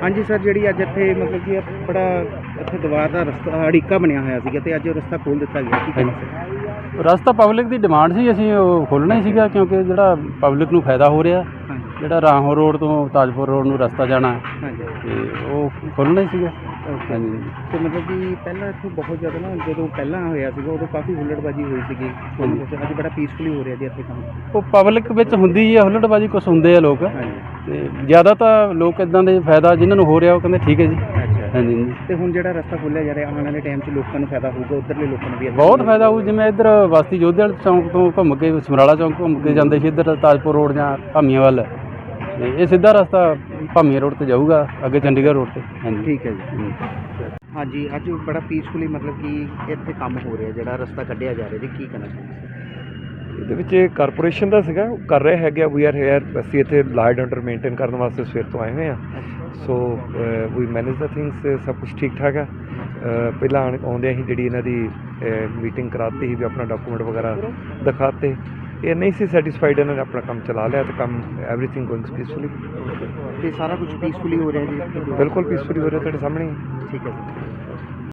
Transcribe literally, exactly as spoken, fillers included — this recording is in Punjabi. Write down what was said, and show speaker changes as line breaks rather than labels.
हाँ जी सर, जी अज इतने मतलब कि बड़ा इतने दीवार का रस्ता अड़िका बनया होया सीगा ते अज रस्ता खोल दिता गया की कहना सर?
रस्ता पब्लिक की डिमांड सी, असीं ਉਹ ਖੋਲ੍ਹਣਾ ਹੀ ਸੀਗਾ क्योंकि ਜਿਹੜਾ पब्लिक ਨੂੰ ਫਾਇਦਾ ਹੋ ਰਿਹਾ।
हाँ जी
ਜਿਹੜਾ ਰਾਹੋਂ ਰੋਡ ਤੋਂ ਤਾਜਪੁਰ ਰੋਡ ਨੂੰ ਰਸਤਾ ਜਾਣਾ
हाँ जी
ਤੇ ਉਹ ਖੋਲ੍ਹਣਾ ਹੀ ਸੀਗਾ।
ओके।
ਹਾਂਜੀ
तो मतलब कि पहला इतों बहुत ज़्यादा ना जो पहला होया सीगा उदों काफ़ी हुल्लड़बाजी हुई सीगी, अज बड़ा पीसफुली हो रहा जी इतने काम?
ਉਹ ਪਬਲਿਕ ਵਿੱਚ ਹੁੰਦੀ ਹੀ ਆ ਹੁੱਲੜਬਾਜੀ, ਕੁਛ ਹੁੰਦੇ ਆ ਲੋਕ
हाँ जी
ਤੇ ਜ਼ਿਆਦਾ ਤਾਂ ਲੋਕ ਇੱਦਾਂ ਦੇ ਫਾਇਦਾ ਜਿਨ੍ਹਾਂ ਨੂੰ ਹੋ ਰਿਹਾ ਉਹ ਕਹਿੰਦੇ ਠੀਕ ਹੈ ਜੀ।
अच्छा।
ਹਾਂਜੀ ਹਾਂਜੀ
तो हुण जिहड़ा रस्ता खोलिया जा रहा आने वाले टाइम च लोगों को फायदा होगा, उधरले लोगों को भी
ਬਹੁਤ ਫਾਇਦਾ ਹੋਊ। ਜਿਵੇਂ ਇੱਧਰ ਬਸਤੀ ਜੋਧੇ ਵਾਲੇ ਚੌਂਕ ਤੋਂ ਘੁੰਮ ਕੇ ਸਮਰਾਲਾ ਚੌਂਕ ਘੁੰਮ ਕੇ ਜਾਂਦੇ ਸੀ ਇੱਧਰ ਤਾਜਪੁਰ ਰੋਡ ਜਾਂ ਭਾਮੀਆਂ ਵੱਲ, ਤੇ ਇਹ ਸਿੱਧਾ ਰਸਤਾ ਭਾਮੀਆਂ ਰੋਡ ਤੇ ਜਾਊਗਾ ਅੱਗੇ ਚੰਡੀਗੜ੍ਹ ਰੋਡ ਤੇ। ਹਾਂਜੀ
ठीक है जी। हाँ जी, अज बड़ा पीसफुली मतलब कि इतने काम हो रहा जिहड़ा रस्ता कढ़िया जा रहा जी, की कहना चाਹੁੰਦੇ?
ਇਹਦੇ ਵਿੱਚ ਇਹ ਕਾਰਪੋਰੇਸ਼ਨ ਦਾ ਸੀਗਾ, ਉਹ ਕਰ ਰਹੇ ਹੈਗੇ। ਵੀ ਆਰ ਹੇਅਰ, ਅਸੀਂ ਇੱਥੇ ਲਾ ਐਂਡ ਆਰਡਰ ਮੇਨਟੇਨ ਕਰਨ ਵਾਸਤੇ ਸਵੇਰ ਤੋਂ ਆਏ ਹੋਏ ਹਾਂ। ਸੋ ਵੀ ਮੈਨੇਜ ਦਾ ਥਿੰਗਸ, ਸਭ ਕੁਛ ਠੀਕ ਠਾਕ ਆ। ਅ, ਪਹਿਲਾਂ ਆਉਣ- ਆਉਂਦਿਆਂ ਹੀ ਜਿਹੜੀ ਇਹਨਾਂ ਦੀ ਮੀਟਿੰਗ ਕਰਾਤੀ ਸੀ ਵੀ ਆਪਣਾ ਡਾਕੂਮੈਂਟ ਵਗੈਰਾ ਦਿਖਾਤੇ। ਇਹ ਨਹੀਂ ਸੀ ਸੈਟੀਸਫਾਈਡ, ਇਹਨਾਂ ਨੇ ਆਪਣਾ ਕੰਮ ਚਲਾ ਲਿਆ ਤੇ ਕੰਮ ਐਵਰੀਥਿੰਗ ਗੋਇੰਗ ਪੀਸਫੁਲੀ।
ਤੇ ਸਾਰਾ ਕੁਝ ਪੀਸਫੁਲੀ ਹੋ ਰਿਹਾ ਜੀ?
ਬਿਲਕੁਲ ਪੀਸਫੁਲੀ ਹੋ ਰਿਹਾ, ਤੁਹਾਡੇ ਸਾਹਮਣੇ ਹੀ।
ਠੀਕ ਹੈ ਜੀ।